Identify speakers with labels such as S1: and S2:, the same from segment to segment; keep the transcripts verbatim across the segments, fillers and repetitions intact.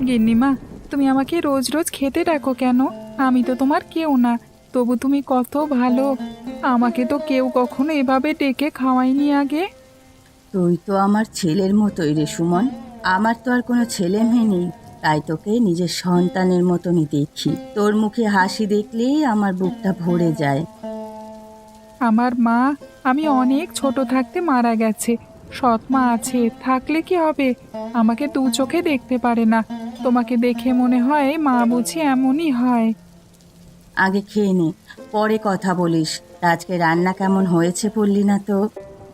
S1: গিন্নিমা, তুমি আমাকে রোজ রোজ খেতে ডাকো কেন? আমি তো তোমার কেউ না, তবু তুমি কত ভালো। আমাকে তো কেউ কখনো এভাবে ডেকে খাওয়ায়নি আগে।
S2: তুই তো আমার ছেলের মতোই রে সুমন। আমার তো আর কোনো ছেলে মেয়ে নেই, তাই তোকে নিজের সন্তানের মতনই দেখি। তোর মুখে হাসি দেখলেই আমার বুকটা ভরে যায়।
S1: আমার মা, আমি অনেক ছোট থাকতে মারা গেছে। সৎ মা আছে, থাকলে কি হবে? আমাকে দু চোখে দেখতে পারে না। তোমাকে দেখে মনে হয় মা বুঝি এমনই হয়।
S2: আগে খেয়ে নে, পরে কথা বলিস। তা আজকে রান্না কেমন হয়েছে বললি না তো?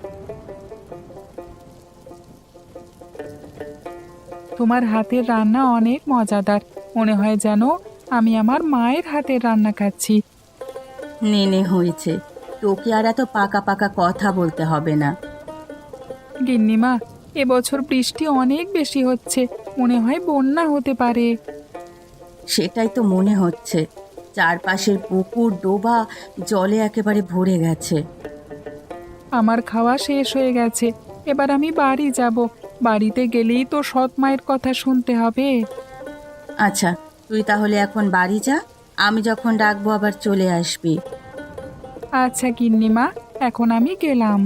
S1: তোমার হাতের রান্না অনেক মজাদার। মনে হয় যেন আমি আমার মায়ের হাতের রান্না খাচ্ছি।
S2: নে নে, হয়েছে। তোকে আর এত পাকা পাকা কথা বলতে হবে না।
S1: গিন্নিমা, এবছর বৃষ্টি অনেক বেশি হচ্ছে, মনে হয় বন্যা হতে পারে।
S2: সেটাই তো মনে হচ্ছে। চারপাশের পুকুর ডোবা জলে একেবারে ভরে গেছে।
S1: আমার খাওয়া শেষ হয়ে গেছে, এবার আমি বাড়ি যাব। বাড়িতে গেলেই তো সৎ মায়ের কথা শুনতে হবে।
S2: আচ্ছা, তুই তাহলে এখন বাড়ি যা। আমি যখন ডাকবো আবার চলে আসবি।
S1: আচ্ছা গিন্নিমা, এখন আমি গেলাম।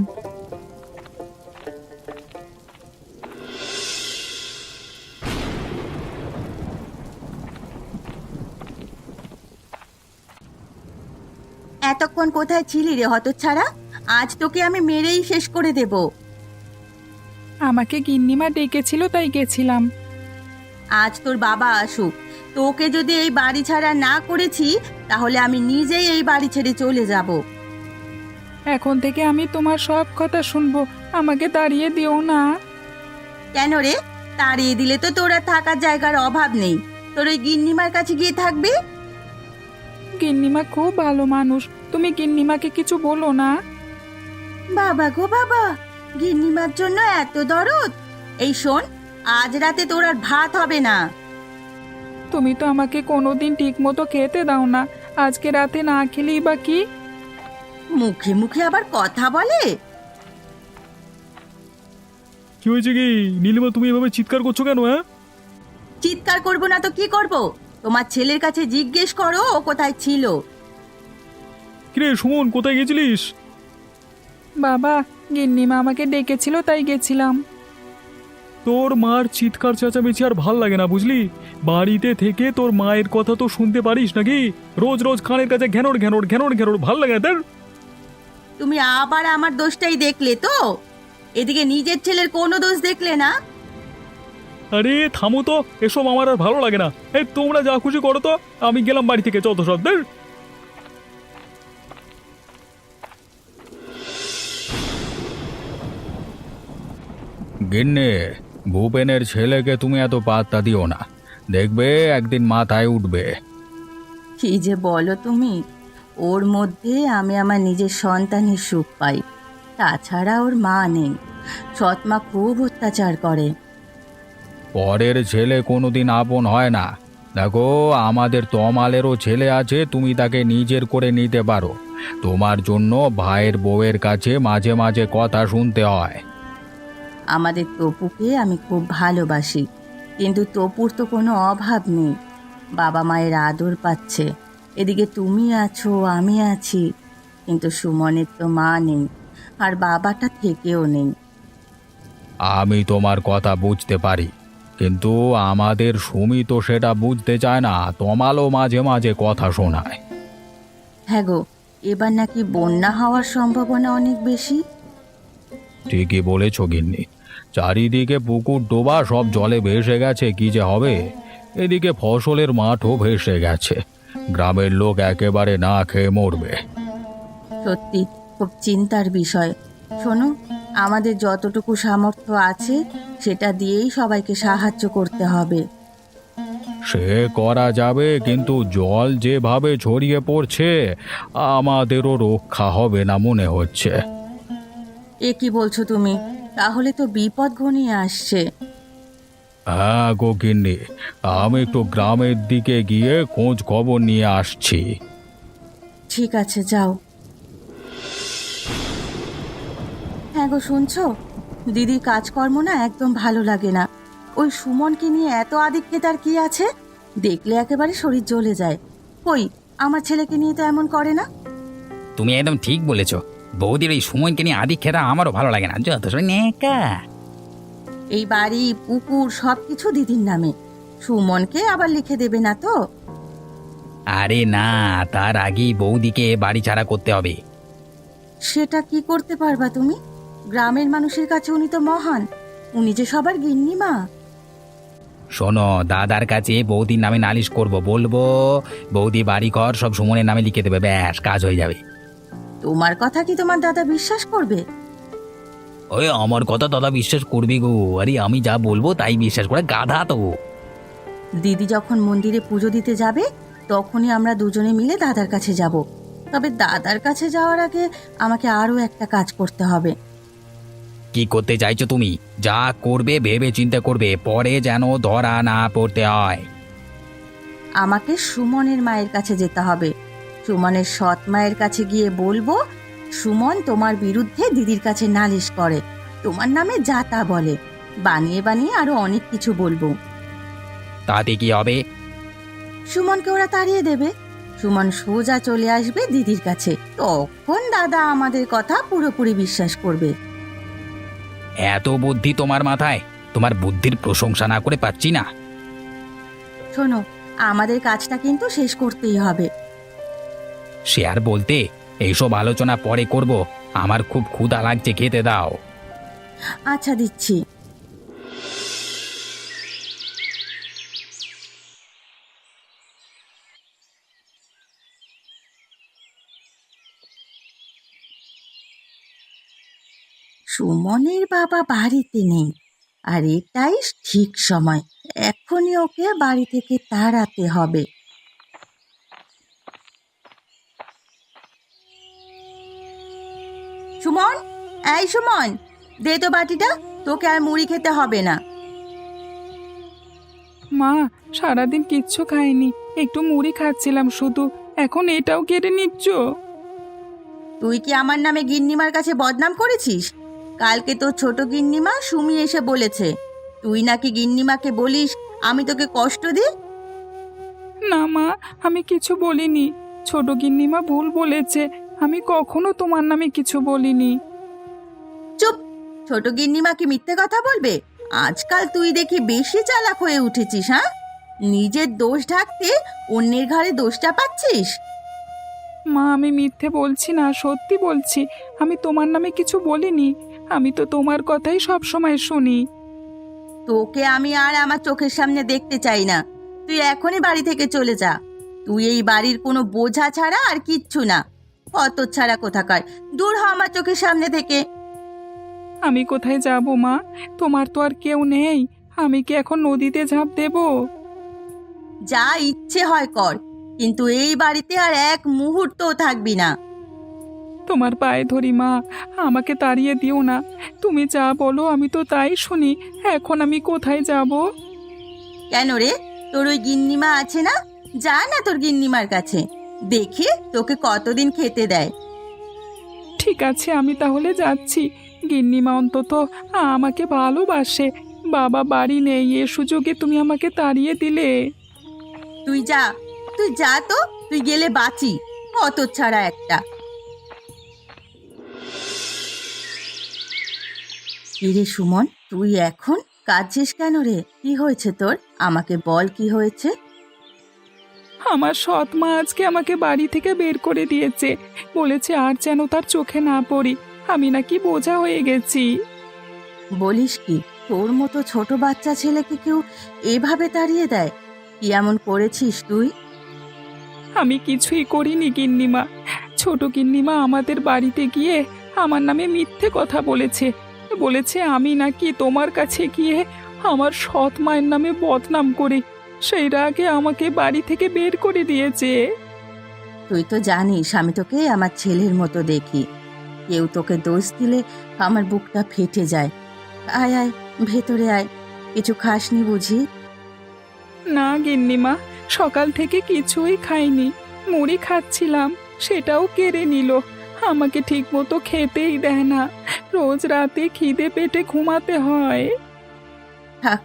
S2: এতক্ষণ কোথায় ছিলি রে হতচ্ছাড়া? আজ তোকে আমি মেরেই শেষ করে দেব।
S1: আমাকে গিন্নিমা ডেকেছিল তাই গেছিলাম।
S2: আজ তোর বাবা আসুক, তোকে যদি এই বাড়ি ছাড়া না করেছি তাহলে আমি নিজেই এই বাড়ি ছেড়ে চলে যাব।
S1: এখন থেকে আমি তোমার সব কথা শুনবো, আমাকে তাড়িয়ে দিও না।
S2: কেন রে? তাড়িয়ে দিলে তো তোর আর থাকার জায়গার অভাব নেই। তোর ওই গিন্নিমার কাছে গিয়ে থাকবি।
S1: গিন্নিমা খুব ভালো মানুষ, তুমি গিন্নিমাকে কিছু বলো না।
S2: বাবা গো বাবা, গিন্নিমার জন্য এত দরদ! এই শোন, আজ রাতে তোর আর ভাত হবে না।
S1: তুমি তো আমাকে কোনোদিন ঠিক মতো খেতে দাও না, আজকে রাতে না খেলেই বা কি?
S2: মুখে মুখে আবার কথা বলে।
S3: কি হয়েছে কি নীলিমা, তুমি এভাবে চিৎকার করছো কেন? হ্যাঁ,
S2: চিৎকার করবো না তো কি করব? তোমার ছেলের কাছে জিজ্ঞেস করো ও কোথায় ছিল।
S3: কিরে সুমন, কোথায় গেছিলিস?
S1: বাবা, গিন্নিমা আমাকে ডেকেছিল তাই গেছিলাম।
S3: তোর মার চিৎকার চেঁচামেচি আর ভাল লাগে না বুঝলি। বাড়িতে থেকে তোর মায়ের কথা তো শুনতে পারিস নাকি? রোজ রোজ কানের কাছে ঘ্যানোর ঘ্যানোর ঘ্যানোর ঘ্যানোর ভাল লাগে না তোর?
S2: তুমি আবার আমার দোষটাই দেখলে তো? এদিকে নিজের ছেলের কোনো দোষ দেখলে না।
S3: আরে থামো তো, এসব আমার আর ভালো লাগে না। এই তোমরা যা খুশি করো তো, আমি গেলাম বাড়ি থেকে, চত সব দের। গিন্নে, ভূপেনের ছেলেকে তুমি এত পাত্তা দিও না, দেখবে একদিন মাথায় উঠবে।
S2: কি যে বলো তুমি! ওর মধ্যে আমি আমার নিজের সন্তানের সুখ পাই। তাছাড়া ওর মা নেই, সৎমা খুব অত্যাচার করে।
S3: পরের ছেলে কোনোদিন আপন হয় না। দেখো, আমাদের তমালেরও ছেলে আছে, তুমি তাকে নিজের করে নিতে পারো। তোমার জন্য ভাইয়ের বউয়ের কাছে মাঝে মাঝে কথা শুনতে হয়।
S2: আমাদের তপুকে আমি খুব ভালোবাসি, কিন্তু তপুর তো কোনো অভাব নেই। বাবা মায়ের আদর পাচ্ছে। এদিকে তুমি আছো, আমি আছি, কিন্তু সুমনের তো মা নেই, আর বাবাটা থেকেও নেই।
S3: আমি তোমার কথা বুঝতে পারি, কিন্তু আমাদের সুমি তো সেটা বুঝতে চায় না, তমালও মাঝে মাঝে কথা শোনায়।
S2: হ্যাঁ গো, এবার নাকি বন্যা হওয়ার সম্ভাবনা অনেক বেশি।
S3: ঠিকই বলেছ গিন্নি, চারিদিকে পুকুর ডোবা, সব জলে ভেসে গেছে, কি যে হবে। এদিকে ফসলের মাঠও ভেসে গেছে, গ্রামের লোক একেবারে না খেয়ে মরবে।
S2: সত্যি খুব চিন্তার বিষয়। শোনো, আমাদের যতটুকু সামর্থ্য আছে সেটা দিয়েই সবাইকে সাহায্য করতে হবে।
S3: সে করা যাবে, কিন্তু জল যেভাবে ছড়িয়ে পড়ছে আমাদেরও রক্ষা হবে না মনে হচ্ছে।
S2: এ কি বলছো তুমি? তাহলে তো বিপদ ঘনিয়ে আসছে।
S3: হ্যাঁ গো গিন্নি, আমি একটু গ্রামের দিকে গিয়ে খোঁজ খবর নিয়ে আসছি।
S2: ঠিক আছে, যাও। হ্যাঁ গো, শুনছো? দিদির কাজকর্ম না একদম ভালো লাগে না। ওই সুমনকে নিয়ে এত আদিক্ষে তার কি আছে? দেখলে একেবারে শরীর জ্বলে যায়। কই, আমার ছেলেকে নিয়ে তো এমন করে না।
S4: তুমি একদম ঠিক বলেছ। বৌদির এই সময়কে নিয়ে আদি খেতা আমারও ভালো লাগে না, যত সব নেকা।
S2: এই বাড়ি পুকুর সবকিছু দিদির নামে, সুমনকে আবার লিখে দেবে না তো?
S4: আরে না, তার আগেই বৌদিকে বাড়ি ছাড়া করতে হবে।
S2: সেটা কি করতে পারবা তুমি? গ্রামের মানুষের কাছে উনি তো মহান, উনি যে সবার গিন্নিমা।
S4: শোনো, দাদার কাছে বৌদির নামে নালিশ করব, বলবো বৌদি বাড়ি ঘর সব সুমনের নামে লিখে দেবে, ব্যাস কাজ হয়ে যাবে।
S2: তোমার কথা কি তোমার দাদা বিশ্বাস করবে?
S4: ওই আমার কথা দাদা বিশ্বাস করবি গো? আরে আমি যা বলবো তাই বিশ্বাস করে, গাধা তো।
S2: দিদি যখন মন্দিরে পুজো দিতে যাবে তখনই আমরা দুজনে মিলে দাদার কাছে যাব। তবে দাদার কাছে যাওয়ার আগে আমাকে আরও একটা কাজ করতে হবে।
S4: কি করতে চাইছো তুমি? যা করবে ভেবে চিন্তা করবে, পরে যেন ধরা না পড়তে হয়।
S2: আমাকে সুমনের মায়ের কাছে যেতে হবে। সুমনের সৎ মায়ের কাছে গিয়ে বলবো সুমন তোমার বিরুদ্ধে দিদির কাছে নালিশ করে, তোমার নামে যা তা বলে, বানিয়ে বানিয়ে আরো অনেক কিছু বলবো।
S4: তাতে কি হবে?
S2: সুমনকে ওরা তাড়িয়ে দেবে। সুমন সোজা চলে আসবে দিদির কাছে, তখন দাদা আমাদের কথা পুরোপুরি বিশ্বাস করবে।
S4: এত বুদ্ধি তোমার মাথায়? তোমার বুদ্ধির প্রশংসা না করে পাচ্ছি না।
S2: শোনো, আমাদের কাজটা কিন্তু শেষ করতেই হবে।
S4: সে আর বলতে, এইসব আলোচনা পরে করব। আমার খুব ক্ষুধা লাগছে, খেতে দাও।
S2: আচ্ছা, দিচ্ছি। সুমনের বাবা বাড়িতে নেই, আর এটাই ঠিক সময়। এখনই ওকে বাড়ি থেকে তাড়াতে হবে। সুমন, এই সুমন, দে তো বাটিটা, তোকে আর মুড়ি খেতে হবে না।
S1: মা, সারাদিন কিচ্ছু খাইনি, একটু মুড়ি খাচ্ছিলাম শুধু, এখন এটাও কেড়ে নিচ্ছ?
S2: তুই কি আমার নামে গিন্নিমার কাছে বদনাম করেছিস? কালকে তোর ছোট গিন্নিমা সুমি এসে বলেছে তুই নাকি গিন্নিমাকে বলিস আমি তোকে কষ্ট দিই।
S1: না মা, আমি কিছু বলিনি, ছোট গিন্নিমা ভুল বলেছে, আমি কখনো তোমার নামে কিছু বলিনি।
S2: চুপ! ছোট গিন্নিমা কি মিথ্যে কথা বলবে? আজকাল তুই দেখি বেশি চালাক হয়ে উঠেছিস। হ্যাঁ, নিজের দোষ ঢাকতে অন্যের ঘাড়ে দোষটা পাচ্ছিস।
S1: মা, আমি মিথ্যে বলছি না, সত্যি বলছি, আমি তোমার নামে কিছু বলিনি, আমি তো তোমার কথাই সব সময় শুনি।
S2: তোকে আমি আর আমার চোখের সামনে দেখতে চাই না। তুই এখনই বাড়ি থেকে চলে যা। তুই এই বাড়ির কোনো বোঝা ছাড়া আর কিচ্ছু না। কত ছাড়া কোথাকার, দূর হ আমার চোখের সামনে থেকে।
S1: আমি কোথায় যাব মা? তোমার তো আর কেউ নেই, আমি কি এখন নদীতে ঝাঁপ দেব?
S2: যা ইচ্ছে হয় কর, কিন্তু এই বাড়িতে আর এক মুহূর্তও থাকবি না।
S1: তোমার পায়ে ধরি মা, আমাকে তাড়িয়ে দিও না, তুমি যা বলো আমি তো তাই শুনি, এখন আমি কোথায় যাব?
S2: কেন রে, তোর ওই গিন্নিমা আছে না? যা না তোর গিন্নিমার কাছে, দেখি তোকে কতদিন খেতে দেয়।
S1: ঠিক আছে, আমি তাহলে যাচ্ছি। গিন্নিমা অন্তত আমাকে ভালোবাসে, বাবা বাড়ি নেই, এ সুযোগে তুমি আমাকে তাড়িয়ে দিলে।
S2: তুই যা, তুই যা তো, তুই গেলে বাঁচি, কত ছাড়া একটা। কিরে সুমন, তুই এখন কাঁদছিস কেন রে? কি হয়েছে তোর? আমাকে বল, কি হয়েছে?
S1: আমার সৎ মা আজকে আমাকে বাড়ি থেকে বের করে দিয়েছে, বলেছে আর যেন তার চোখে না পড়ি, আমি নাকি বোঝা হয়ে গেছি।
S2: বলিস কি? তোর মতো ছোট বাচ্চা ছেলেকে কেউ এভাবে তাড়িয়ে দেয়? কি এমন করেছিস তুই?
S1: আমি কিছুই করিনি গিন্নিমা, ছোট গিন্নিমা আমাদের বাড়িতে গিয়ে আমার নামে মিথ্যে কথা বলেছে, বলেছে আমি নাকি তোমার কাছে গিয়ে আমার সৎ মায়ের নামে বদনাম করি, সেই রাগে আমাকে বাড়ি থেকে বের করে দিয়েছে।
S2: তুই তো জানিস আমি তোকে আমার ছেলের মতো দেখি, কেউ তোকে দোষ দিলে আমার বুকটা ফেটে যায়। আয় আয়, ভেতরে আয়, কিছু খাসনি বুঝি?
S1: না গিন্নিমা, সকাল থেকে কিছুই খাইনি, মুড়ি খাচ্ছিলাম, সেটাও কেড়ে নিল, আমাকে ঠিক মতো খেতেই দেয় না, রোজ রাতে খিদে পেটে ঘুমাতে হয়।
S2: থাক,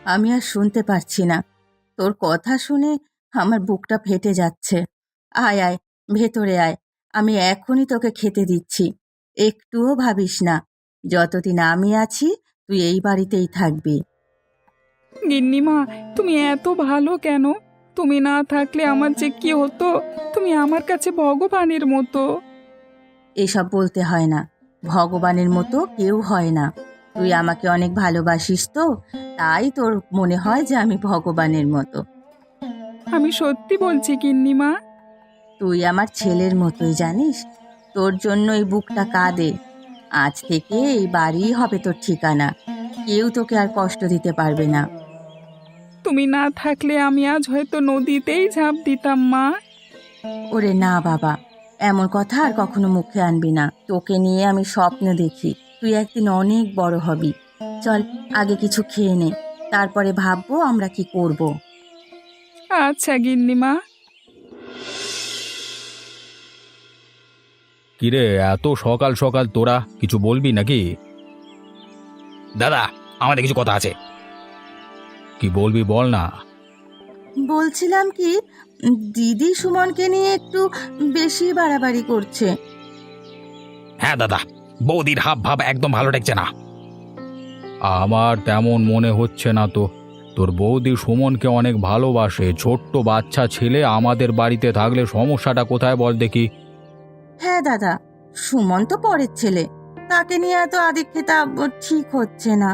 S2: আমি আর শুনতে পারছি না। তোর কথা শুনে আমার বুকটা ফেটে যাচ্ছে। আয় আয়, ভেতরে আয়, আমি এখনই তোকে খেতে দিচ্ছি। একটুও ভাবিস না, যতদিন আমি আছি তুই এই বাড়িতেই থাকবি।
S1: গিন্নিমা, তুমি এত ভালো কেন? তুমি না থাকলে আমার যে কি হতো! তুমি আমার কাছে ভগবানের মতো।
S2: এসব বলতে হয় না, ভগবানের মতো কেউ হয় না। তুই আমাকে অনেক ভালোবাসিস তো, তাই তোর মনে হয় যে আমি ভগবানের মতো।
S1: আমি সত্যি বলছি গিন্নিমা।
S2: তুই আমার ছেলের মতোই, জানিস, তোর জন্য এই বুকটা কাঁদে। আজ থেকে এই বাড়িই হবে তোর ঠিকানা, কেউ তোকে আর কষ্ট দিতে পারবে না।
S1: তুমি না থাকলে আমি আজ হয়তো নদীতেই ঝাঁপ দিতাম, মা।
S2: ওরে না বাবা, এমন কথা আর কখনো মুখে আনবি না। তোকে নিয়ে আমি স্বপ্ন দেখি তুই একদিন অনেক বড় হবি। চল, আগে কিছু খেয়ে নে, তারপরে ভাববো আমরা কি করব।
S1: আচ্ছা গিন্নিমা।
S3: কিরে, এত সকাল সকাল তোরা কিছু বলবি নাকি?
S4: দাদা, আমাদের কিছু কথা আছে।
S3: কি বলবি বল না।
S2: বলছিলাম কি, দিদি সুমনকে নিয়ে একটু বেশি বাড়াবাড়ি করছে।
S4: হ্যাঁ দাদা, বৌদির হাব ভাব একদম ভালো ঠেকছে না।
S3: আমার তেমন মনে হচ্ছে না তো। তোর বৌদি সুমনকে অনেক ভালোবাসে। ছোট্ট বাচ্চা ছেলে আমাদের বাড়িতে থাকলে সমস্যাটা কোথায় বল দেখি?
S2: হ্যাঁ দাদা, সুমন তো পরের ছেলে, তাকে নিয়ে এত আদিক্ষেতা ঠিক হচ্ছে না।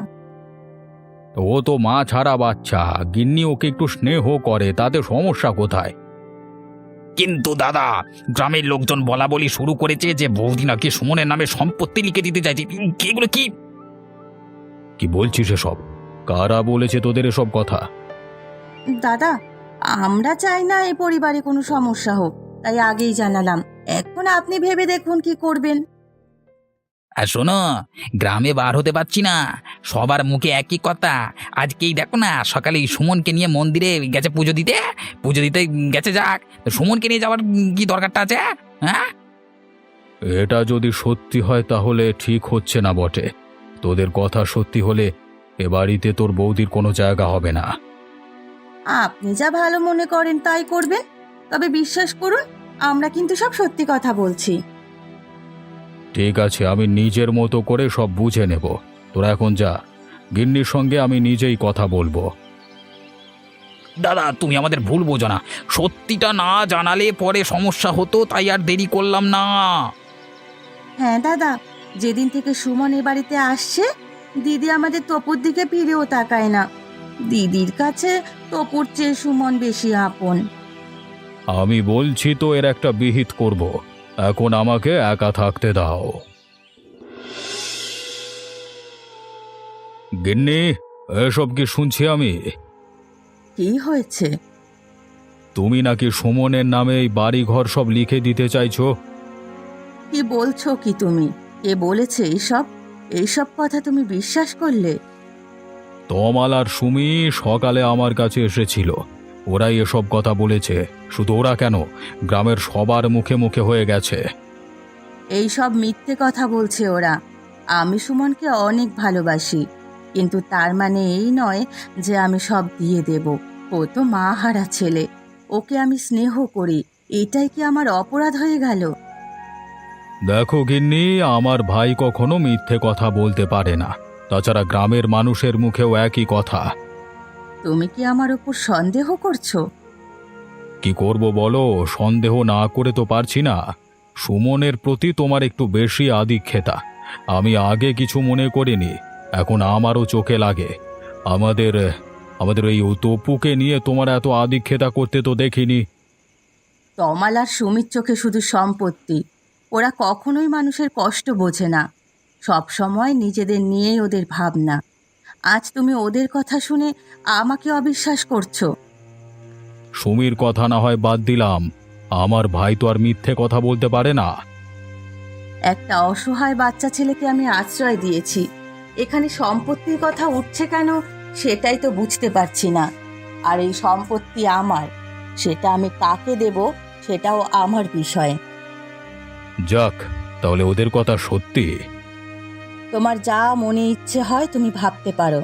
S3: ও তো মা ছাড়া বাচ্চা, গিন্নি ওকে একটু স্নেহ করে, তাতে সমস্যা কোথায়?
S4: কিন্তু দাদা, গ্রামের লোকজন বলা বলি শুরু করেছে যে বৌদি নাকি সুমনের নামে সম্পত্তি লিখে দিতে চাইছে। এগুলো কি?
S3: কি বলছিস এসব? কারা বলেছে তোদের এসব কথা?
S2: দাদা, আমরা চাই না এই পরিবারে কোনো সমস্যা হোক, তাই আগেই জানালাম। এখন আপনি ভেবে দেখুন কি করবেন।
S4: আর শোনো, গ্রামে বার হতে পারছি না, সবার মুখে একই কথা। আজকেই দেখো না, সকালে এই সুমনকে নিয়ে মন্দিরে গেছে পুজো দিতে। পুজো দিতে গেছে, যাক, তো সুমনকে নিয়ে যাওয়ার কি দরকারটা আছে? হ্যাঁ,
S3: এটা যদি সত্যি হয় তাহলে ঠিক হচ্ছে না বটে। তোদের কথা সত্যি হলে এ বাড়িতে তোর বৌদির কোনো জায়গা হবে না।
S2: আপনি যা ভালো মনে করেন তাই করবেন, তবে বিশ্বাস করুন আমরা কিন্তু সব সত্যি কথা বলছি।
S3: ঠিক আছে, আমি নিজের মতো করে সব বুঝে নেব। তোরা এখন যা, গিন্নির সঙ্গে আমি নিজেই কথা বলবো।
S4: দাদা, তুমি আমাদের ভুল বোঝো না। সত্যিটা না জানালে পরে সমস্যা হতো, তাই আর দেরি করলাম না।
S2: হ্যাঁ দাদা, যেদিন থেকে সুমন এ বাড়িতে আসছে, দিদি আমাদের তপুর দিকে ফিরেও তাকায় না। দিদির কাছে তপুর চেয়ে সুমন বেশি আপন।
S3: আমি বলছি তো এর একটা বিহিত করব। এখন আমাকে একা থাকতে দাও। গিন্নি, এসব কি শুনছি আমি?
S2: কি হয়েছে?
S3: তুমি নাকি সুমনের নামে এই বাড়ি ঘর সব লিখে দিতে চাইছো?
S2: কি বলছো কি তুমি? কে বলেছে এইসব? এইসব কথা তুমি বিশ্বাস করলে?
S3: তমাল আর সুমি সকালে আমার কাছে এসেছিল, ওরাই এসব কথা বলেছে। শুধু ওরা কেন, গ্রামের সবার মুখে মুখে হয়ে গেছে।
S2: এই সব মিথ্যে কথা বলছে ওরা। আমি সুমনকে অনেক ভালোবাসি, কিন্তু তার মানে এই নয় যে আমি সব দিয়ে দেব। ও তো মা হারা ছেলে, ওকে আমি স্নেহ করি, এটাই কি আমার অপরাধ হয়ে গেল?
S3: দেখো গিন্নি, আমার ভাই কখনো মিথ্যে কথা বলতে পারে না। তাছাড়া গ্রামের মানুষের মুখেও একই কথা।
S2: তুমি কি আমার উপর সন্দেহ করছো?
S3: কি করব বলো, সন্দেহ না করে তো পারছি না। সুমনের প্রতি তোমার একটু বেশি আদিক্ষেতা। আমি আগে কিছু মনে করিনি, এখন আমারও চোখে লাগে। আমাদের আমাদের এই তপুকে নিয়ে তোমার এত আদিক্ষেতা করতে তো দেখিনি।
S2: তমাল আর সুমির চোখে শুধু সম্পত্তি, ওরা কখনোই মানুষের কষ্ট বোঝে না। সব সময় নিজেদের নিয়েই ওদের ভাবনা। আজ তুমি ওদের কথা শুনে আমাকে অবিশ্বাস করছো।
S3: সুমির কথা না হয় বাদ দিলাম, আমার ভাই তো আর মিথ্যে কথা বলতে পারে না।
S2: একটা অসহায় বাচ্চা ছেলেকে আমি আশ্রয় দিয়েছি, এখানে সম্পত্তির কথা উঠছে কেন সেটাই তো বুঝতে পারছি না। আর এই সম্পত্তি আমার, সেটা আমি কাকে দেব সেটাও আমার বিষয়।
S3: যাক, তাহলে ওদের কথা সত্যি।
S2: তোমার যা মনে ইচ্ছে হয় তুমি ভাবতে পারো,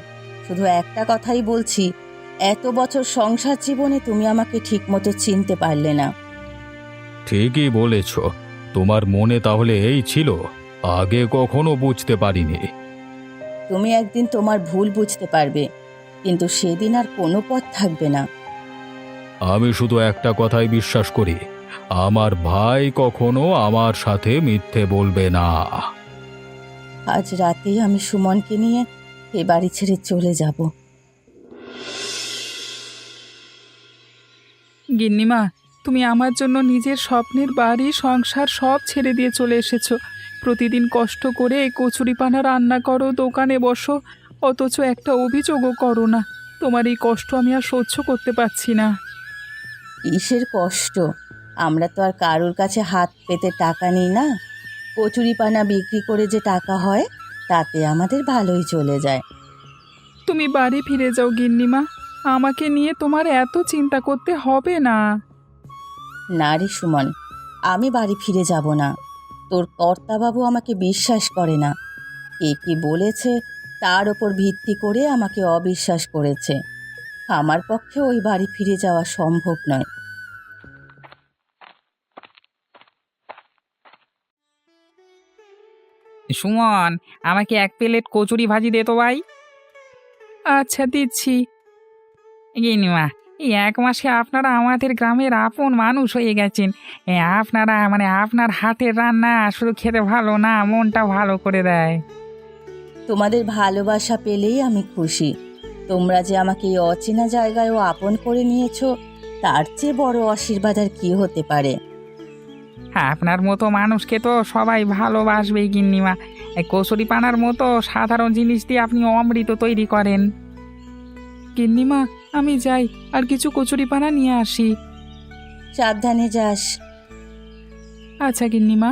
S2: শুধু একটা কথাই বলছি, এত বছর সংসার জীবনে তুমি আমাকে ঠিকমতো চিনতে পারলে না।
S3: ঠিকই বলেছ, তোমার মনে তাহলে এই ছিল, আগে কখনো বুঝতে পারিনি।
S2: তুমি একদিন তোমার ভুল বুঝতে পারবে, কিন্তু সেদিন আর কোনো পথ থাকবে না।
S3: আমি শুধু একটা কথাই বিশ্বাস করি, আমার ভাই কখনো আমার সাথে মিথ্যে বলবে না।
S2: আজ রাতেই আমি সুমনকে নিয়ে এ বাড়ি ছেড়ে চলে যাব।
S1: গিন্নিমা, তুমি আমার জন্য নিজের স্বপ্নের বাড়ি সংসার সব ছেড়ে দিয়ে চলে এসেছো। প্রতিদিন কষ্ট করে এই কচুরিপানা রান্না করো, দোকানে বসো, অথচ একটা অভিযোগও করো না। তোমার এই কষ্ট আমি আর সহ্য করতে পারছি না।
S2: কিসের কষ্ট? আমরা তো আর কারোর কাছে হাত পেতে টাকা নিই না। কচুরিপানা বিক্রি করে যে টাকা হয়, তাতে আমাদের ভালোই চলে যায়।
S1: তুমি বাড়ি ফিরে যাও গিন্নিমা, আমাকে নিয়ে তোমার এত চিন্তা করতে হবে না।
S2: না রে সুমন, আমি বাড়ি ফিরে যাব না। তোর কর্তাবাবু আমাকে বিশ্বাস করে না। কে কি বলেছে তার ওপর ভিত্তি করে আমাকে অবিশ্বাস করেছে। আমার পক্ষে ওই বাড়ি ফিরে যাওয়া সম্ভব নয়।
S4: সুমন, আমাকে এক প্লেট কচুরি ভাজি দে তো ভাই।
S1: আচ্ছা, দিচ্ছি।
S4: গিনিমা, এই এক মাসে আপনারা আমাদের গ্রামের আপন মানুষ হয়ে গেছেন। এ, আপনারা মানে আপনার হাতের রান্না শুধু খেতে ভালো না, মনটা ভালো করে দেয়।
S2: তোমাদের ভালোবাসা পেলেই আমি খুশি। তোমরা যে আমাকে এই অচেনা জায়গায়ও আপন করে নিয়েছো, তার চেয়ে বড় আশীর্বাদ আর কি হতে পারে।
S4: আপনার মতো মানুষকে তো সবাই ভালোবাসবেই গিন্নিমা। এই কচুরি পানার মতো সাধারণ জিনিস দিয়ে আপনি অমৃত তৈরি করেন।
S1: গিন্নিমা, আমি যাই, আর কিছু কচুরিপানা নিয়ে আসি।
S2: সাবধানে যাস।
S1: আচ্ছা গিন্নিমা।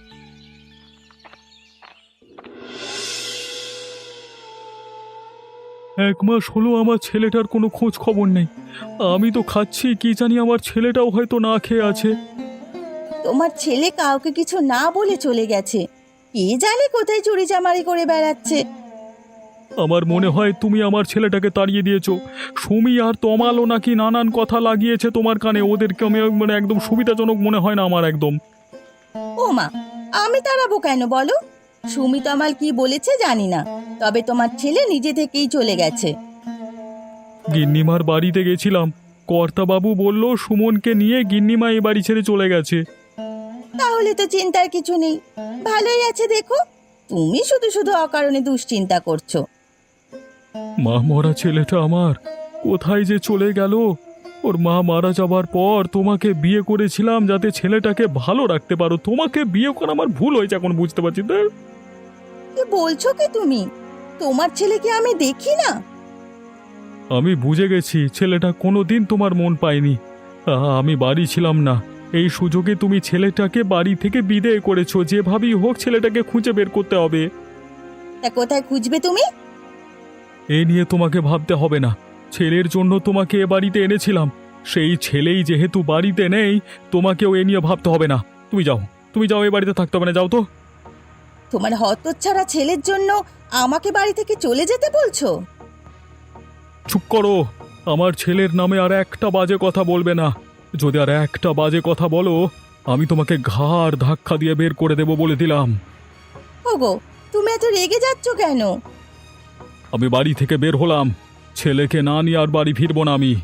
S3: এক মাস হলো আমার ছেলেটার কোনো খোঁজ খবর নেই। আমি তো খাচ্ছি, কি জানি আমার ছেলেটাও হয়তো না খেয়ে আছে।
S2: তোমার ছেলে কাউকে কিছু না বলে চলে গেছে। কে জানে কোথায় চুরি চামারি করে বেড়াচ্ছে।
S3: আমার মনে হয় তুমি আমার ছেলেটাকে তাড়িয়ে দিয়েছো। সুমি আর তমালও নাকি নানান কথা লাগিয়েছে তোমার কানে, ওদেরকে আমি মানে একদম সুবিধাজনক মনে হয় না আমার একদম।
S2: ও মা, আমি তাড়াবো কেন বলো? সুমি তমাল কি বলেছে জানি না, তবে তোমার ছেলে নিজে থেকেই চলে গেছে।
S3: গিন্নিমার বাড়িতে গেছিলাম, কর্তাবাবু বলল সুমনকে নিয়ে গিন্নিমা এই বাড়ি ছেড়ে চলে গেছে।
S2: তাহলে তো চিন্তার কিছু নেই, ভালোই আছে। দেখো, তুমি শুধু শুধু অকারণে দুশ্চিন্তা করছো।
S3: মা মরা ছেলেটা আমার কোথায় যে চলে গেল। ওর মা মারা যাবার পর তোমাকে বিয়ে করেছিলাম যাতে ছেলেটাকে ভালো রাখতে পারো। তোমাকে বিয়ে করা আমার ভুল হয়েছে, এখন বুঝতে পারছি। তো
S2: কি বলছো কি তুমি? তোমার ছেলেকে আমি দেখি না?
S3: আমি বুঝে গেছি ছেলেটা কোনোদিন তোমার মন পায়নি। আহা, আমি বাড়ি ছিলাম না, এই সুযোগে তুমি ছেলেটাকে বাড়ি থেকে বিদেয় করেছো। যেভাবেই হোক ছেলেটাকে খুঁজে বের করতে হবে।
S2: তা কোথায় খুঁজবে তুমি?
S3: এ নিয়ে তোমাকে ভাবতে হবে না, ছেলের জন্য তোমাকে এ বাড়িতে এনেছিলাম। সেই ছেলেই যেহেতু বাড়িতে নেই, তোমাকেও এ নিয়ে ভাবতে হবে না। তুমি যাও, তুমি যাও, এ বাড়িতে থাকতে হবে না, যাও তো।
S2: তোমার হতচ্ছাড়া ছেলের জন্য আমাকে বাড়ি থেকে চলে যেতে বলছো?
S3: চুপ করো, আমার ছেলের নামে আর একটা বাজে কথা বলবে না। যদি আর একটা বাজে কথা বলো, আমি তোমাকে ঘাড় ধাক্কা দিয়ে বের করে দেব বলে দিলাম।
S2: ওগো, তুমি এত রেগে যাচ্ছ কেন?
S3: আমি বাড়ি থেকে বের হলাম, ছেলেকে না নিয়ে আর বাড়ি ফিরবো না আমি।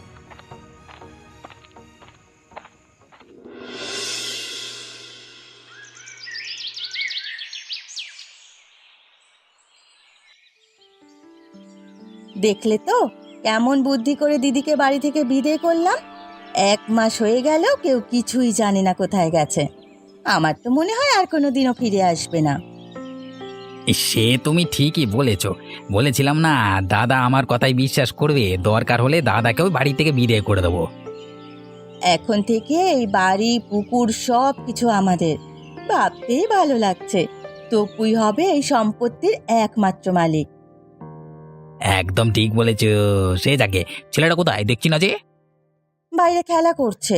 S2: দেখলে তো কেমন বুদ্ধি করে দিদিকে বাড়ি থেকে বিদায় করলাম। এক মাস হয়ে গেল, কেউ কিছুই জানে না কোথায় গেছে। আমার তো মনে হয় আর কোনোদিনও ফিরে আসবে না।
S4: সে তুমি ঠিকই বলেছ। বলেছিলাম না, দাদা আমার কথাই বিশ্বাস করবে, দরকার হলে দাদাকেও বাড়ি থেকে বিদায় করে দেবো।
S2: এখন থেকে এই বাড়ি পুকুর সব কিছু আমাদের। ভাবতেই ভালো লাগছে, তপুই হবে এই সম্পত্তির একমাত্র মালিক।
S4: একদম ঠিক বলেছ। সে যাকে, ছেলেটা কোথায় দেখছি না যে?
S2: বাইরে খেলা করছে।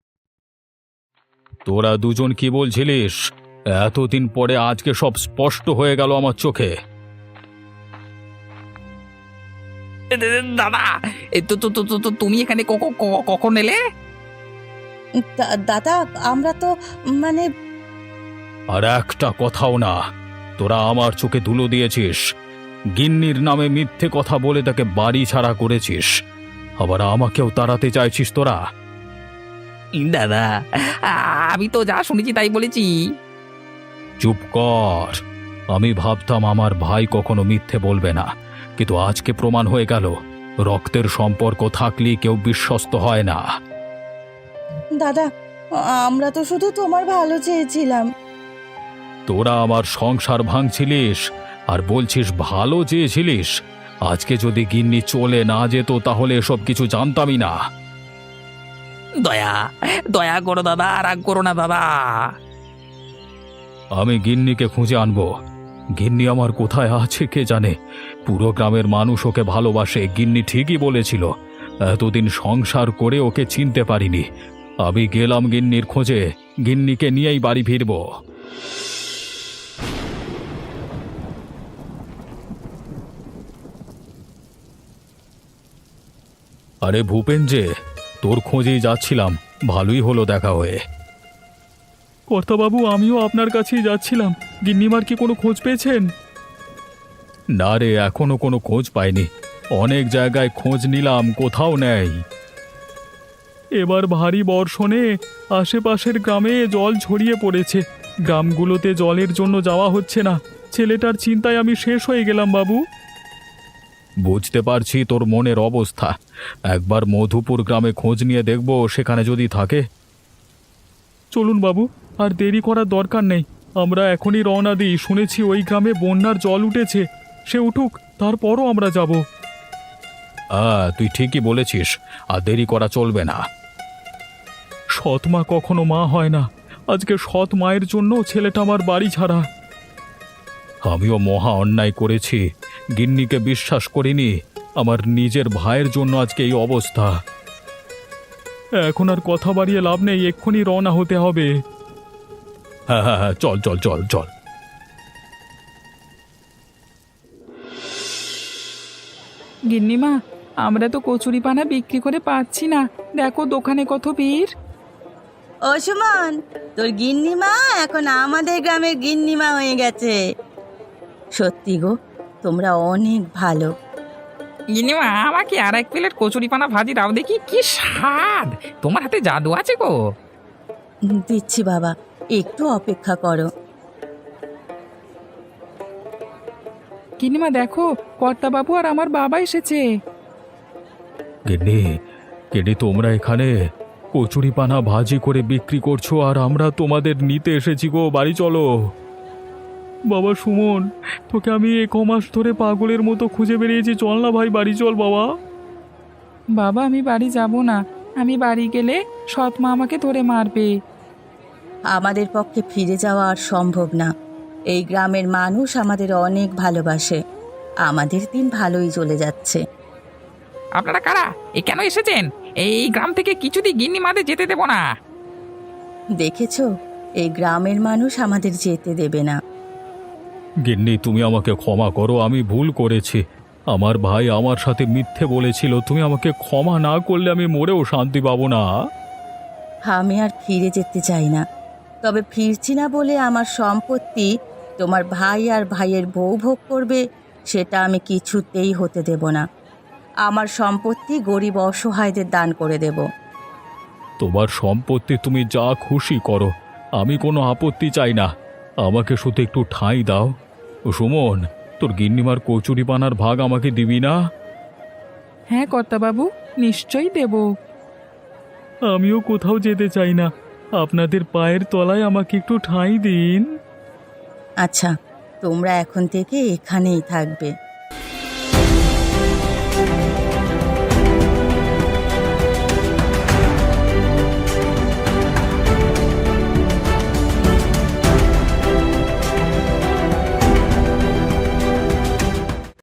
S3: তোরা দুজন কি বলছিলিস? এতদিন পরে আজকে সব স্পষ্ট হয়ে গেল আমার চোখে।
S4: এ, এ, দাদা এ, তো তো তো তো- তো তুমি এখানে ক- ক- ক- কখন এলে?
S2: দা- দাদা আমরা তো মানে
S3: আর একটা কথাও না। তোরা আমার চোখে ধুলো দিয়েছিস, গিন্নির নামে মিথ্যে কথা বলে তাকে বাড়ি ছাড়া করেছিস, আবার আমাকেও তাড়াতে চাইছিস তোরা।
S4: দাদা আ- আমি তো যা শুনেছি তাই বলেছি।
S3: চুপ কর। আমি ভাবতাম আমার ভাই কখনো মিথ্যে বলবে না, কিন্তু আজকে প্রমাণ হয়ে গেল রক্তের সম্পর্ক থাকলে কেউ বিশ্বস্ত হয় না।
S2: দাদা আমরা তো শুধু তোমার ভালো চেয়েছিলাম।
S3: তোরা আমার সংসার ভাঙছিলিস আর বলছিস ভালো চেয়েছিলিস। আজকে যদি গিন্নি চলে না যেত তাহলে এসব কিছু জানতামই না।
S4: দয়া দয়া করো দাদা, রাগ করো না দাদা।
S3: আমি গিন্নিকে খুঁজে আনবো। গিন্নি আমার কোথায় আছে কে জানে। পুরো গ্রামের মানুষ ওকে ভালোবাসে, গিন্নি ঠিকই বলেছিল। এতদিন সংসার করে ওকে চিনতে পারিনি। আমি গেলাম গিন্নির খোঁজে, গিন্নিকে নিয়েই বাড়ি ফিরব। আরে ভূপেন যে, তোর খোঁজেই যাচ্ছিলাম, ভালোই হলো দেখা হয়ে। কর্তাবাবু, আমিও আপনার কাছেই যাচ্ছিলাম। গিন্নিমার কি কোনো খোঁজ পেয়েছেন? না রে, এখনো কোনো খোঁজ পাইনি। অনেক জায়গায় খোঁজ নিলাম, কোথাও নেই। এবার ভারী বর্ষণে আশেপাশের গ্রামে জল ছড়িয়ে পড়েছে। গ্রামগুলোতে জলের জন্য যাওয়া হচ্ছে না। ছেলেটার চিন্তায় আমি শেষ হয়ে গেলাম বাবু। বুঝতে পারছি তোর মনের অবস্থা। একবার মধুপুর গ্রামে খোঁজ নিয়ে দেখব, সেখানে যদি থাকে। চলুন বাবু, আর দেরি করার দরকার নেই। আমরা এখনই রওনা দিই। শুনেছি ওই গ্রামে বন্যার জল উঠেছে। সে উঠুক, তারপরও আমরা যাব। হ্যাঁ, তুই ঠিকই বলেছিস, আর দেরি করা চলবে না। সৎ মা কখনো মা হয় না। আজকে সৎ মায়ের জন্য ছেলেটা আমার বাড়ি ছাড়া। আমিও মহা অন্যায় করেছি, গিন্নিকে বিশ্বাস করিনি। আমার নিজের ভাইয়ের জন্য আজকে এই অবস্থা। এখন আর কথা বাড়িয়ে লাভ নেই, এক্ষুনি রওনা হতে হবে। হ্যাঁ হ্যাঁ হ্যাঁ, চল চল চল চল।
S1: গিন্নিমা, আমরা তো কচুরিপানা বিক্রি করে পাচ্ছি না। দেখো দোকানে কত ভিড়।
S2: ও সুমন, তোর গিন্নিমা এখন আমাদের গ্রামের গিন্নিমা হয়ে গেছে। সত্যি গো, তোমরা অনেক ভালো।
S4: গিনিমা, আমাকে আর এক প্লেট কচুরি পানা ভাজি দাও দেখি, কি স্বাদ! তোমার হাতে জাদু আছে গো।
S2: দিচ্ছি বাবা, একটু অপেক্ষা করো।
S1: গিন্নিমা দেখো, কর্তাবাবু আর আমার বাবা এসেছে।
S3: গিন্নি, গিন্নি, তোমরা এখানে কচুরি পানা ভাজি করে বিক্রি করছো আর আমরা তোমাদের নিতে এসেছি গো। বাড়ি চলো। বাবা সুমন, তোকে আমি এক মাস ধরে পাগলের মতো খুঁজে বেরিয়েছি। চল না ভাই, বাড়ি চল বাবা।
S1: বাবা, আমি বাড়ি যাব না। আমি বাড়ি গেলে সৎ মা আমাকে ধরে মারবে।
S2: আমাদের পক্ষে ফিরে যাওয়া আর সম্ভব না। এই গ্রামের মানুষ আমাদের অনেক ভালোবাসে। আমাদের দিন ভালোই চলে যাচ্ছে।
S4: আপনারা কারা? এ কেন এসেছেন? এই গ্রাম থেকে কিছুতেই গিন্নি মাদের যেতে দেব না।
S2: দেখেছো, এই গ্রামের মানুষ আমাদের যেতে দেবে না।
S3: গিন্নি, তুমি আমাকে ক্ষমা করো, আমি ভুল করেছি। আমার ভাই আমার সাথে মিথ্যে বলেছিল। তুমি আমাকে ক্ষমা না করলে আমি মরেও শান্তি পাবো না।
S2: আমি আর ফিরে যেতে চাই না। তবে ফিরছি না বলে আমার সম্পত্তি তোমার ভাই আর ভাইয়ের বউ ভোগ করবে, সেটা আমি কিছুতেই হতে দেব না। আমার সম্পত্তি গরিব অসহায়দের দান করে দেব।
S3: তোমার সম্পত্তি তুমি যা খুশি করো, আমি কোনো আপত্তি চাই না। আমাকে শুধু একটু ঠাঁই দাও। ও সুমন, তোর গিন্নিমার কচুরি পানার ভাগ আমাকে দিবি না?
S1: হ্যাঁ কর্তাবাবু, নিশ্চয়ই দেব।
S3: আমিও কোথাও যেতে চাই না। আপনাদের পায়ের তলায় আমাকে একটু ঠাঁই দিন।
S2: আচ্ছা, তোমরা এখন থেকে এখানেই থাকবে।